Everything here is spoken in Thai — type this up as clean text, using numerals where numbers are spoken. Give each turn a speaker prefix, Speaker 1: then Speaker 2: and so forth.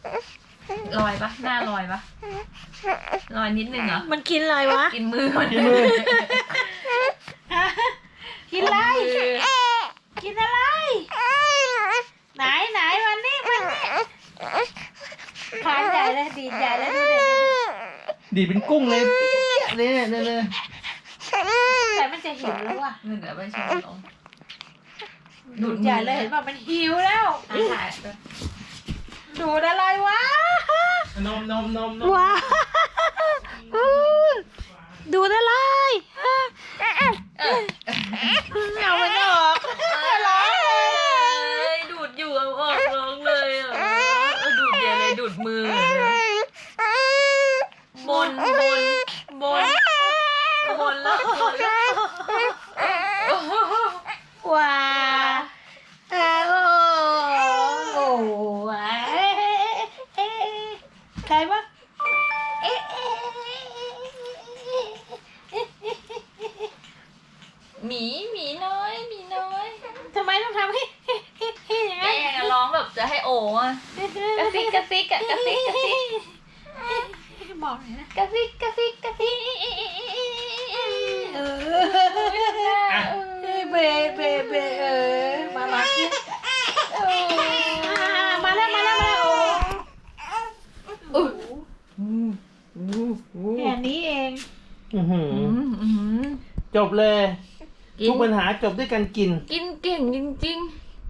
Speaker 1: ลอยปะหน้าลอยปะลอยนิดนึงเหรอ
Speaker 2: มันกินอะไรวะ
Speaker 1: กินมือมัน
Speaker 3: กินมือ
Speaker 2: กินอะไร กินอะไร ไหนมันนี่ขานใหญ่เลยดีดใหญ่เลยดูเด็ก
Speaker 3: ดีดเป็นกุ้งเลยเนี่ย
Speaker 2: แต่มันจะหิวแล้วว่ะ
Speaker 1: เดี๋ยวไปชมลง
Speaker 2: ดูดใหญ่เลยเห็นป่ะมันหิวแล้ว
Speaker 1: ถ่าย
Speaker 2: ดูดอะไรวะ
Speaker 3: นม
Speaker 2: ว้าดูดอะไรเอามันออกร้องเลย
Speaker 1: ดูดอยู่เอาออกร้องเลยอ่ะดูดใหญ่เลยดูดมือบนแล้ว
Speaker 2: ว้าโอ้ใครวะ
Speaker 1: หมีน้อย
Speaker 2: ทำไมต้องทำให้อย่าง
Speaker 1: แม่
Speaker 2: นั้น
Speaker 1: ร้องแบบจะให้โอ้อะกระซิกอะกระซิก
Speaker 2: บอกเลยนะ
Speaker 1: กระซิก
Speaker 2: เบมากินมาแล้วโอ้แค่นี้เอง
Speaker 3: จบเลย ทุกปัญหาจบด้วยการกิน
Speaker 1: กิน